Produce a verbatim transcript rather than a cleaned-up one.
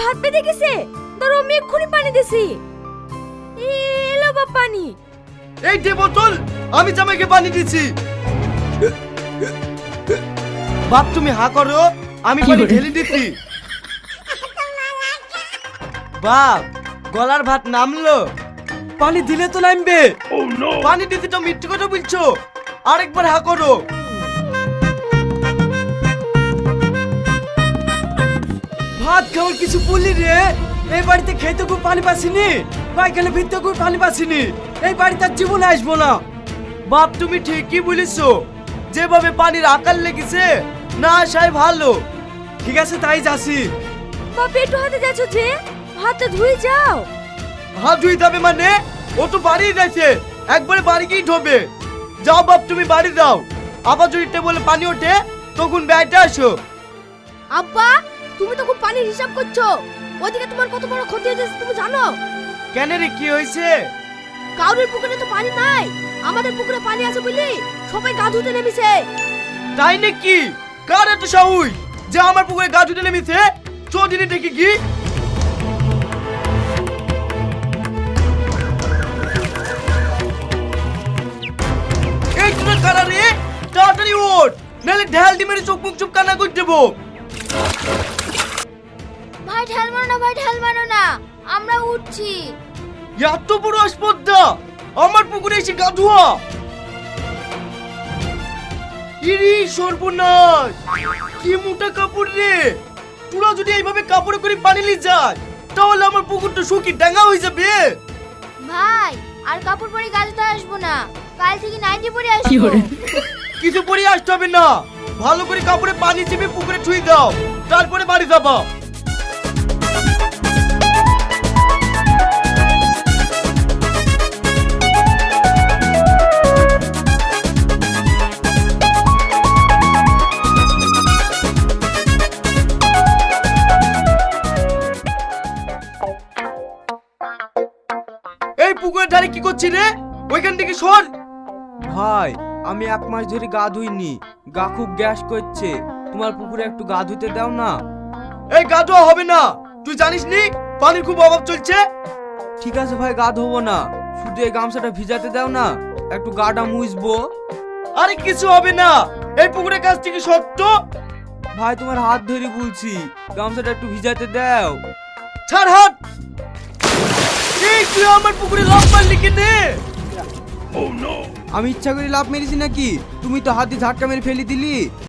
ভাত বেঁধে গেছে, ধরো আমি এক্ষুনি পানি দিছি। এলো বাপ পানি। এই দে বোতল, আমি জামাইকে পানি দিচ্ছি। বাপ তুমি হা করো, আমি পানি ঢেলে দিচ্ছি। বাপ গলার ভাত নামলো, পানি দিলে তো নামবে। পানি দিতে তো মিথ্যে কথা বলছো, আরেকবার হা করো। ভাত খাওয়ার কিছু বললি রে? এই বাড়িতে খেতে খুব পানি পাসিনি, পায়খানা ভিতরে খুব পানি পাসিনি, এই বাড়িতে আর জীবনে আসবো না। বাপ তুমি ঠিকই বলেছো, যেভাবে পানির আকার লেগেছে না আসাই ভালো। ঠিক আছে তাই যাচ্ছি। বাপ একটু হাতে যাচ্ছ যে, হাতটা ধুয়ে যাও। হাত ধুই যাবে মানে? ও তো বাড়ি যাচ্ছে, একবারে বাড়ি গিয়ে ঢোবে। যাও বাপ তুমি বাড়ি যাও, আবার যদি টেবলে পানি ওঠে তখন ব্যাগটা আসো। আব্বা তুমি তো খুব পানির হিসাব করছো, ওইদিকে তোমার কত বড় ক্ষতি হয়েছে তুমি জানো? কেন রে কি হয়েছে? কাউরের পুকুরে তো পানি নাই, আমাদের পুকুরে পানি আছে বলি সবাই গা ধুতে নেমেছে। তাই নাকি? কার এত সাহস যে আমার পুকুরে গা ধুতে নেমেছে? চৌধুরী দেখি কি? এই তোরা কারা রে? তাড়াতাড়ি ওঠ, নাহলে ঢাল দি মেরে চোখ মুখ চুপ কান্না করে দেবো। ভাই ঢাল মারো না, ভাই ঢাল মারো না, আমরা উঠছি। এত বড় আসপদ্দা আমার পুকুরে এসে গা ধোয়া! ইরি সর্বনাশ, কি মোটা কাপড় রে! তোরা যদি এইভাবে কাপড়ে করে পানি নিয়ে যায় তাহলে আমার পুকুরটা শুকিয়ে ডাঙা হয়ে যাবে। ভাই আর কাপড় পরে গাছতে আসবো না, কাল থেকে নাইটি পরে আসবো। কিছু পরে আসতে হবে না, ভালো করে কাপড়ে পানি চিপে পুকুরে ছুঁয়ে দাও, তারপরে বাড়ি যাবা। এই পুকুরের ধারে কি করছিস রে? ওইখান থেকে সর। ভাই আমি এক মাস ধরে গা ধুইনি, গা খুব গ্যাস করছে, তোমার পুকুরে একটু গা ধুতে দাও না। এই গা ধোয়া হবে না, তুই জানিস নি পানির খুব অভাব চলছে। ঠিক আছে ভাই গা ধোবো না, শুধু এই গামছাটা ভিজাতে দাও না, একটু গাটা মুছবো। আরে কিছু হবে না, এই পুকুরের কাছ থেকে সত্য। ভাই তোমার হাত ধরে বলছি, গামছাটা একটু ভিজাতে দাও। ছাড় হাত। এই তুই আমার পুকুরে লাফ মারলি কেনে? আমি ইচ্ছা করে লাভ মেরেছি নাকি? তুমি তো হাত দিয়ে ঝাটকা মেরে ফেলে দিলি।